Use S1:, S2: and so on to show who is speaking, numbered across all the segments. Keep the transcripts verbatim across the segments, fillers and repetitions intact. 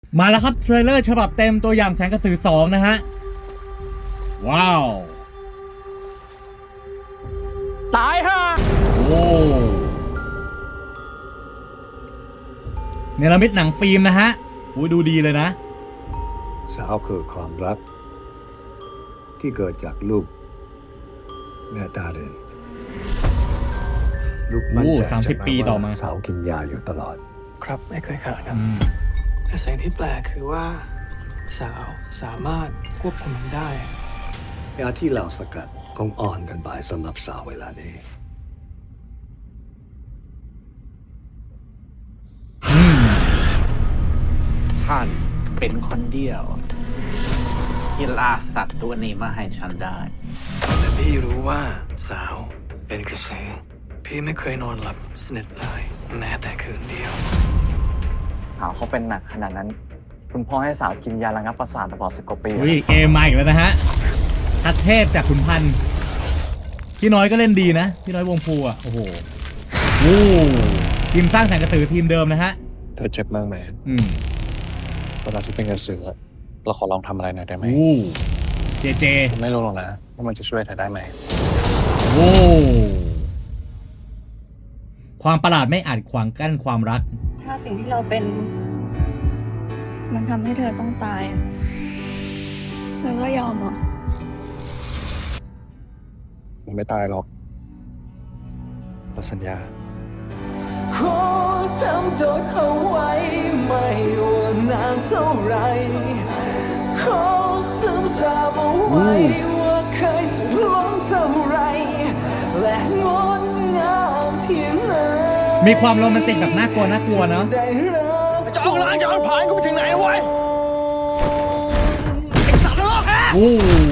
S1: มาแล้วครับเทรลเลอร์ฉบับเต็มตัวอย่างแสงกระสือสองนะฮะว้าว
S2: ตายฮะ
S1: โอ้เนรมิตหนังฟิล์มนะฮะโอ้ดูดีเลยนะ
S3: สาวคือความรัก ที่เกิดจากลูกแม่ตาเดินลูกมั่น
S1: โอ้
S3: ใจ
S1: สามสิบปีต่อมา
S3: สาวกินยาอยู่ตลอด
S2: ครับไม่เคยขาดครับ
S1: อืม
S2: แต่สิ่งที่แปลกคือว่า สาวสามารถควบคุมมันได้
S3: ยาที่เราสกัดคงอ่อนกันไปสำหรับสาวเวลานี้
S1: อืม
S4: ท่านเป็นคนเดียวที่ล่าสัตว์ตัวนี้มาให้ฉันได้
S2: แต่พี่รู้ว่าสาวเป็นกระสือพี่ไม่เคยนอนหลับสนิทเลยแม้แต่คืนเดียว
S5: สาวเขาเป็นหนักขนาดนั้น คุณพ่อให้สาวกินยาระงับประสาทตลอดสิบกว่าปี
S1: อุ้ยเกมมาอีกแล้วนะฮะทัดเทพจากขุนพันธ์พี่น้อยก็เล่นดีนะพี่น้อยวงภูอ่ะโอ้โหโอ้ทีมสร้างแสงกระสือทีมเดิมนะฮะ
S6: เธอเจ็บมากไหม
S1: อืม
S6: เวลาที่เป็นกระสือเราขอลองทำอะไรหน่อยได้ไหม
S1: โอ้เจเจ
S6: ผมไม่รู้หรอกนะว่ามันจะช่วยเธอได้ไหม
S1: โอ้ความประหลาดไม่อาจขวางกั้นความรัก
S7: ถ้าสิ่งที่เราเป็น มันทำให้เธอต้องตายอะเธอก็ยอมเหรอ
S6: ผมไม่ตายหรอกเราสัญญา
S2: ขอทำจดเอาไว้ไม่ว่านานเท่าไรขอซึมซาบเอาไว้ว่าเคยสุดล้นเท่าไรและงดงามเพียงไหน
S1: มีความโรแมนติกแบบน่ากลัวน่ากลัวเนาะ
S2: ได้รับจะเอาล้างจะเอาผ่านกูไปถึงไหนวะไอ้สัตว์โลกฮะ
S1: โอ้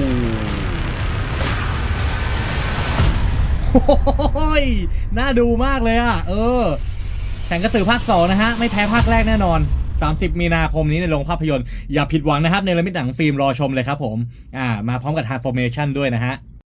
S1: โหยน่าดูมากเลยอ่ะ เออแข่งกระสือภาคสองนะฮะ ไม่แพ้ภาคแรกแน่นอน สามสิบมีนาคมนี้ในโรงภาพยนตร์ อย่าผิดหวังนะครับ ในเรมิตหนังฟิล์มรอชมเลยครับผม อ่า มาพร้อมกับ Transformation ด้วยนะฮะ